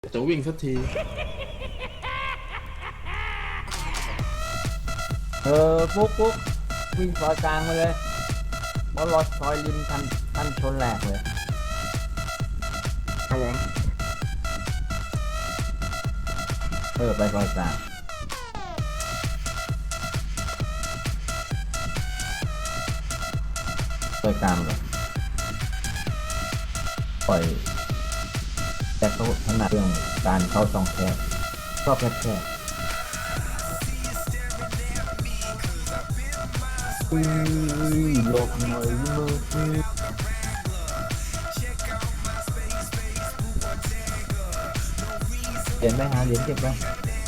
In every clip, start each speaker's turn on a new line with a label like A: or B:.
A: จะวิ่งสักที
B: ฟุกวิ่งซอยกลางมาเลยเพราะรถซอยริมทันชนแหลกเลย
A: ครับผม
B: ไปซอยกลางเลยปล่อยแต่เขาถนัดเรื่องการเข้าช่องแคบชอบแคบหลบหน่อยมือเหรียญไปหาเหรียญเก็บแล้ว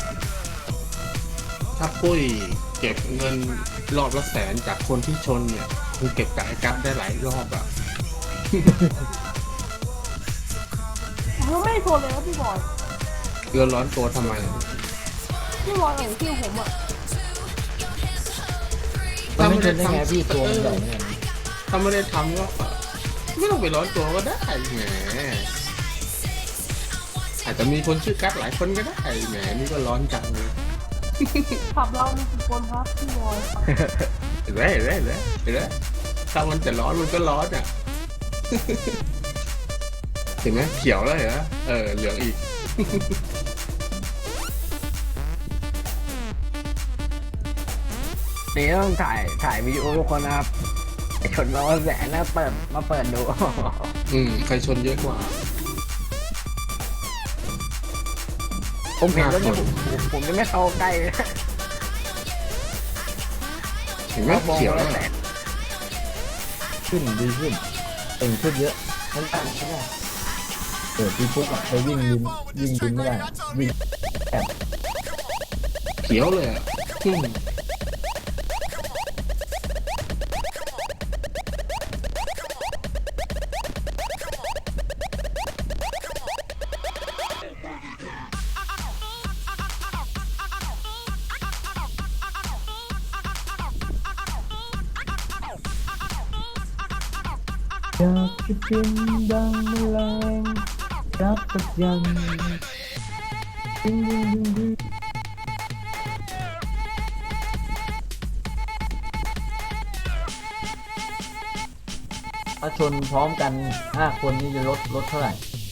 A: ถ้าปุ้ยเก็บเงินรอบละ100,000จากคนที่ชนเนี่ยคงเก็บกับไอ้กั๊บได้หลายรอบอะ
C: ผมไม่ชนเลยนะพี่บอย
A: เดือดร้อนตัวทำไม
C: พี่บอยเห็นคิวผมอ่ะ
B: มันไม่ชนได้ไงพี่ตัวมันใหญ่เนี่ย
A: ถ้าไม่ได้ทำก็ไม่ต้องไปร้อนตัวก็ได้แหมอาจจะมีคนชื่อกั๊บหลายคนก็ได้แหมนี่ก็ร้อนจังเลย
C: ขับเรามีกี่คนครับพี่บอย
A: เห็นไหมถ้ามันจะร้อนมันก็ร้อนอ่ะเห็นไหมเขียวแล้วเหรอเหลืองอีก
B: นี่ต้องถ่ายวิดีโอทุกคนนะครับชนมา100,000นะเปิดดู
A: ใครชนเยอะกว่า
B: ผมเห็นแล้วเนี่ยผมจะไม่เข้าใกล้
A: เห็นไหมเขียวแล้ว
B: ขึ้นดีขึ้นเต่งขึ้นเยอะทั้งต่างใช่ไหมพี่ฟุกไปวิ่งดินไม่ได้วิ่งแอบ
A: เขียวเลยอ่ะ
B: อยากจะกินดังแมลงรับประยันถ้าชนพร้อมกัน5 คนนี่จะลดเท่าไหร่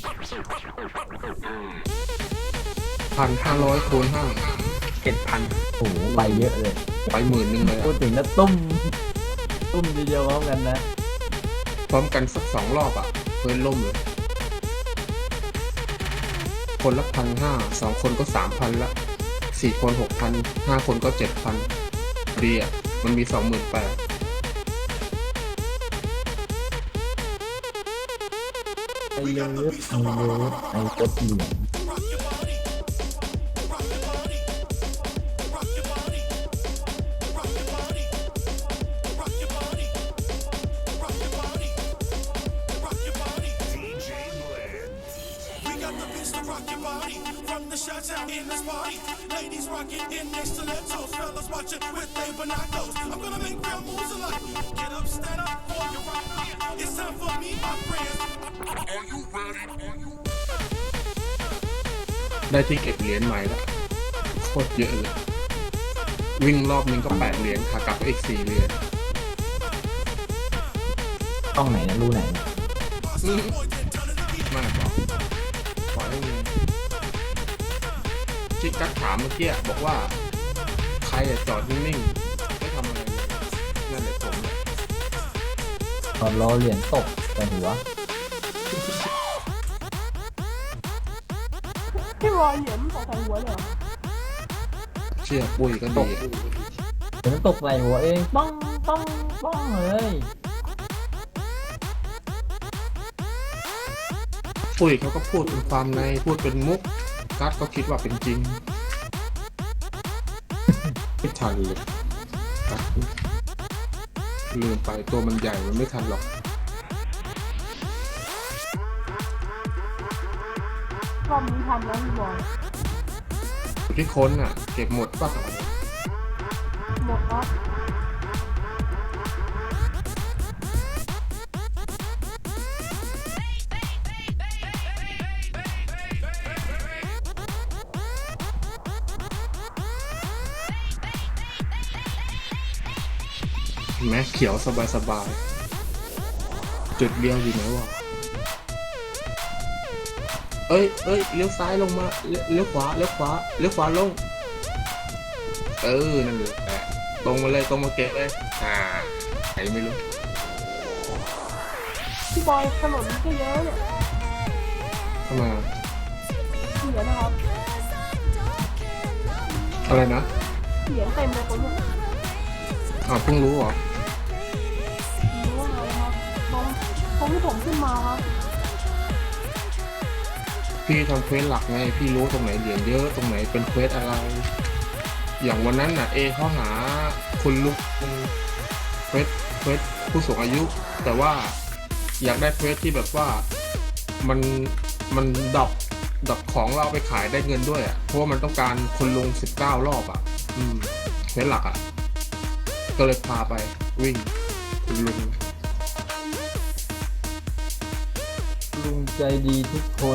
A: 1,500 คูณ 5
B: 7,000โอ้โหไปเยอะเลย
A: ไป10,000เลย
B: พูดถึงแล้วตุ้มทีเดียวพร้อมกันนะ
A: พร้อมกันสัก2 รอบอ่ะเพื่อนล่มเลยคนละ 1,500 2 คนก็ 3,000 ละ4 คน 6,000 5 คนก็ 7,000 ดีอ่ะมันมี 28,000
B: ไอ้เลิฟไอ้กดเหลือง
D: In this party, ladies rocking in their stilettos, fellas watching with their binoculars. I'm gonna make real moves a lot. Get up, stand up for your right. It's time for me, my friends. Are you ready?
A: ได้ที่เก็บเหรียญใหม่แล้วโคตรเยอะเลยวิ่งรอบนึงก็8 เหรียญขากลับก็อีก4 เหรียญ
B: ต้องไหนนะรูไหน
A: ไม่บอกปล่อยให้เงินที่กั๊กถามเมื่อกี้บอกว่าใครจอดนิ่งๆไม่ทำอะไรเลยนั่นแหละผมเลย
B: ตอนรอเหรียญตกแต่หัว
C: พี่บอยเหรียญตกใส่หัวเลย
A: เชื่อปุ้ยก็ดี
B: เหรียญตกใส่หัวเองป้องเลย
A: ปุ้ยเขาก็พูดเป็นความในพูดเป็นมุกกั๊กก็คิดว่าเป็นจริงไม่ทันเลยลืมไปตัวมันใหญ่มันไม่ทันหรอก
C: รอบนี้ทำแล้วพี่บอย
A: ที่ค้นอ่ะเก็บหมดป่ะ
C: หมดครับ
A: เห็นไหมเขียวสบายๆจุดเดียวอยู่ไหนวะเอ้ยเลี้ยวซ้ายลงมาเลี้ยวขวาลงนั่นเลยตรงมาเลยตรงมาเก็บเลยไหนไม่รู้
C: พี่บอยถนนก็เยอะเนี่ย
A: เข้ามา
C: เสียนะครับ
A: อะไรนะ
C: เสียเต็มเลยคนเนี่ย
A: เพิ่งรู้เหรอ
C: รู้ว่าอะไรครับตรงที่ผมขึ้นมาครับ
A: พี่ทำเควสหลักไงพี่รู้ตรงไหนเหรียญเยอะตรงไหนเป็นเควสอะไร อย่างวันนั้นน่ะเขาหาคุณลุงเควสผู้สูงอายุ แต่ว่าอยากได้เควสที่แบบว่ามันดับของเราไปขายได้เงินด้วยอ่ะเพราะว่ามันต้องการคุณลุง19 รอบอ่ะเควสหลักอ่ะก็เลยพาไปวิ่งคุณลุง
B: ลุงใจดีทุกคน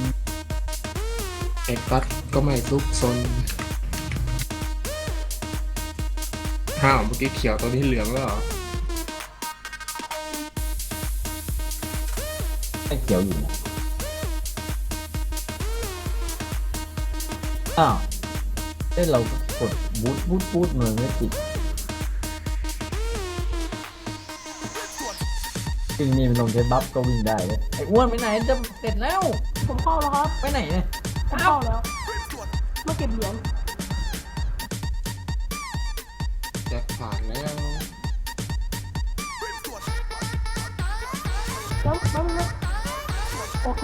A: เอกตัดก็ไม่ซุกซนเมื่อกี้เขียวตัวนี้เหลืองแล้วเหรอ
B: ไม่เขียวอยู่นะอ้าวเรากดบูทมันไม่ติดวิ่งนี่มันลงใช้บัฟก็วิ่งได้เลยไอ้อ้วนไปไหนจะเสร็จแล้ว
C: ผมเข้าแล้วครับ
B: ไปไหนเนี่ย
C: ผมเข้าแล้วมาเก็บเหรียญ
A: แจ็คผ่านแล้ว
C: แล้วนะโอเค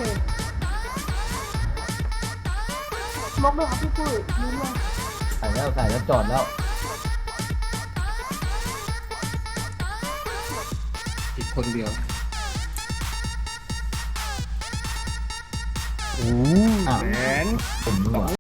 C: มกด้วยครับพี่ปุ้ยลืมเลย
B: ขายแล้วจอดแล้ว
A: อีกคนเดียว
B: อ้าว
A: แหม
B: ผมดีกว่า